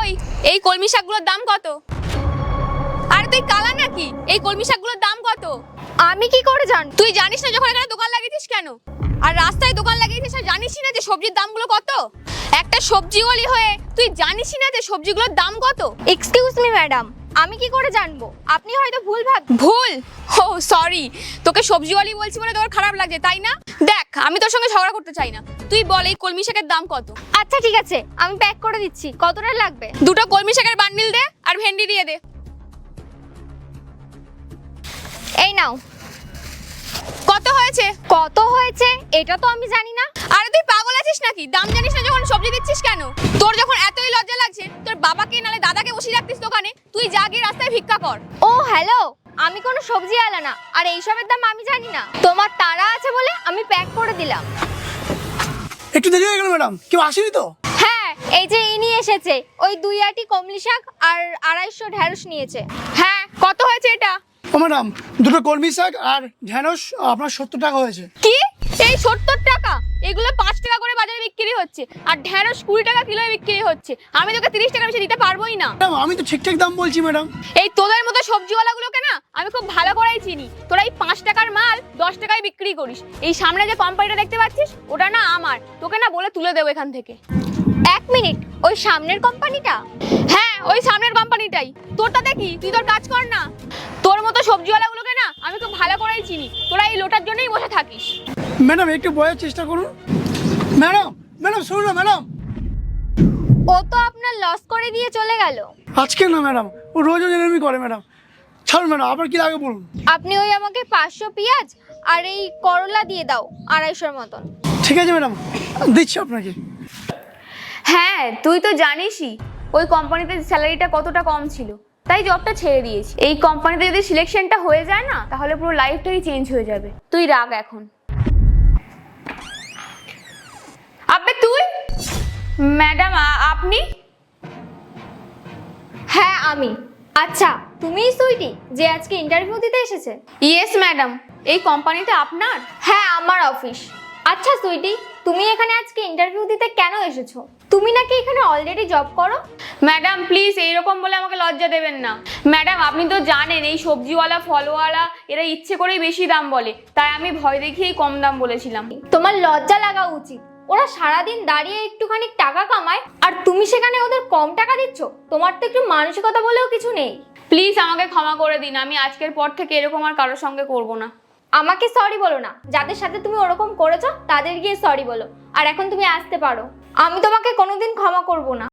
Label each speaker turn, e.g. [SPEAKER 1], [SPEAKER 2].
[SPEAKER 1] কই, এই কলমি শাকগুলোর দাম কত? আরে তুই কালা নাকি? এই কলমি শাকগুলোর দাম কত?
[SPEAKER 2] আমি কি করে জান?
[SPEAKER 1] তুই জানিস না যখন এখানে দোকান লাগিয়েছিস কেন? আর রাস্তায় দোকান লাগিয়েছিস আর জানিসই না যে সবজির দামগুলো কত? একটা সবজিওয়ালি হয়ে তুই জানিসই না যে সবজিগুলোর দাম কত?
[SPEAKER 2] এক্সকিউজ মি ম্যাডাম, আমি কি করে জানবো? আপনি হয়তো ভুল
[SPEAKER 1] ভুল? ও সরি, তোকে সবজিওয়ালি বলছি বলে তোর খারাপ লাগছে তাই না? দেখ, আমি তোর সঙ্গে ঝগড়া করতে চাই না। তুই বল এই কলমি শাকের দাম কত?
[SPEAKER 2] আচ্ছা ঠিক আছে, আমি প্যাক করে দিচ্ছি। কতটা লাগবে?
[SPEAKER 1] দুটো কলমি শাকের বান্ডিল দে আর ভেন্ডি দিয়ে দে।
[SPEAKER 2] এই নাও।
[SPEAKER 1] কত হয়েছে?
[SPEAKER 2] কত হয়েছে এটা তো আমি জানি না।
[SPEAKER 1] আরে তুই পাগল আছিস নাকি? দাম জানিস না যখন সবজি দিচ্ছিস কেন? তোর যখন এতই লজ্জা লাগছে, তোর বাবাকে নালে দাদাকে বসিয়ে রাখতিস দোকানে। তুই যা গিয়ে রাস্তায় ভিক্ষা কর।
[SPEAKER 2] ও হ্যালো, আমি কোনো সবজি আলা না, আর এইসবের দাম আমি জানি না। তোমার তাড়া আছে বলে আমি প্যাক করে দিলাম।
[SPEAKER 3] একটু দেরি হয়ে গেল ম্যাডাম, কেউ আসেনি তো?
[SPEAKER 2] হ্যাঁ, এই যে ইনি এসেছে, ওই 2 আটি কমলি শাক আর 250 ঢেঁড়স নিয়েছে।
[SPEAKER 1] হ্যাঁ, কত হয়েছে এটা?
[SPEAKER 3] ও ম্যাডাম, দুটো কলমি শাক আর ঢ্যাঁড়স আপনার 70 টাকা হয়েছে।
[SPEAKER 1] কি? এই 70 টাকা? এগুলো 5 টাকা করে বাজারে বিক্রি হচ্ছে, আর ঢেঁড়স 20 টাকা কিলোয় বিক্রি হচ্ছে। আমি তোকে 30 টাকা বেশি দিতে পারবোই না।
[SPEAKER 3] ম্যাডাম, আমি তো ঠিকঠাক দাম বলছি ম্যাডাম।
[SPEAKER 1] এই তোদের মতো সবজিওয়ালাগুলোকে না আমি খুব ভালো করেই চিনি। তোরা এই 5 টাকার মাল 10 টাকায় বিক্রি করিস। এই সামনে যে কোম্পানিটা দেখতে পাচ্ছিস, ওটা না আমার। তোকে না বলে তুলে দেবো এখান থেকে।
[SPEAKER 2] 1 মিনিট, ওই সামনের কোম্পানিটা?
[SPEAKER 1] হ্যাঁ, ওই সামনের কোম্পানিটাই। তোরটা দেখি, তুই তোর কাজ কর না। তোর মতো সবজিওয়ালাগুলোকে না আমি খুব ভালো করেই চিনি। তোরা এই লোটার জন্যই বসে থাকিস।
[SPEAKER 3] ম্যাডাম, একটু বলার চেষ্টা করুন। ম্যাডাম ম্যাডাম শুনুন না ম্যাডাম।
[SPEAKER 2] ও তো আপনার লস করে দিয়ে চলে গেল।
[SPEAKER 3] আজকে না ম্যাডাম, ও রোজ এরকমই করে ম্যাডাম। ছাড়ুন ম্যাডাম, আবার কি লাগে বলুন।
[SPEAKER 2] আপনি ওই আমাকে 500 পেঁয়াজ আর এই করলা দিয়ে দাও 250-র মতন।
[SPEAKER 3] ঠিক আছে ম্যাডাম, দিচ্ছি আপনাকে।
[SPEAKER 1] হ্যাঁ, তুই তো জানিসই ওই কোম্পানিতে স্যালারিটা কতটা কম ছিল, তাই জবটা ছেড়ে দিয়েছি। এই কোম্পানিতে যদি সিলেকশনটা হয়ে যায় না, তাহলে পুরো লাইফটাই চেঞ্জ হয়ে যাবে। তুই রাগ এখন। আবে তুই? ম্যাডাম আপনি?
[SPEAKER 2] হ্যাঁ আমি। আচ্ছা, তুমিই সুইটি যে আজকে ইন্টারভিউ দিতে এসেছে?
[SPEAKER 1] ইয়েস ম্যাডাম, এই কোম্পানিটা আপনার?
[SPEAKER 2] হ্যাঁ, আমার অফিস। আচ্ছা সুইটি, তুমি এখানে আজকে ইন্টারভিউ দিতে কেন এসেছো? তুমি নাকি এখানে অলরেডি জব করো?
[SPEAKER 1] ম্যাডাম প্লিজ এইরকম বলে আমাকে লজ্জা দেবেন না। ম্যাডাম আপনি তো জানেন এই সবজিওয়ালা ফলওয়ালা এরা ইচ্ছে করেই বেশি দাম বলে, তাই আমি ভয় দেখিয়েই কম দাম বলেছিলাম।
[SPEAKER 2] তোমার লজ্জা লাগা উচিত। ওরা সারাদিন দাঁড়িয়ে একটুখানি টাকা কামায়, আর তুমি সেখানে ওদের কম টাকা দিচ্ছ। তোমার তো একটু মানসিকতা বলেও কিছু নেই।
[SPEAKER 1] প্লিজ আমাকে ক্ষমা করে দিন, আমি আজকের পর থেকে এরকম আর কারোর সঙ্গে করব না।
[SPEAKER 2] আমাকে সরি বলো না, যাদের সাথে তুমি ওরকম করেছো তাদের গিয়ে সরি বলো। আর এখন তুমি আসতে পারো, আমি তোমাকে কোনোদিন ক্ষমা করব না।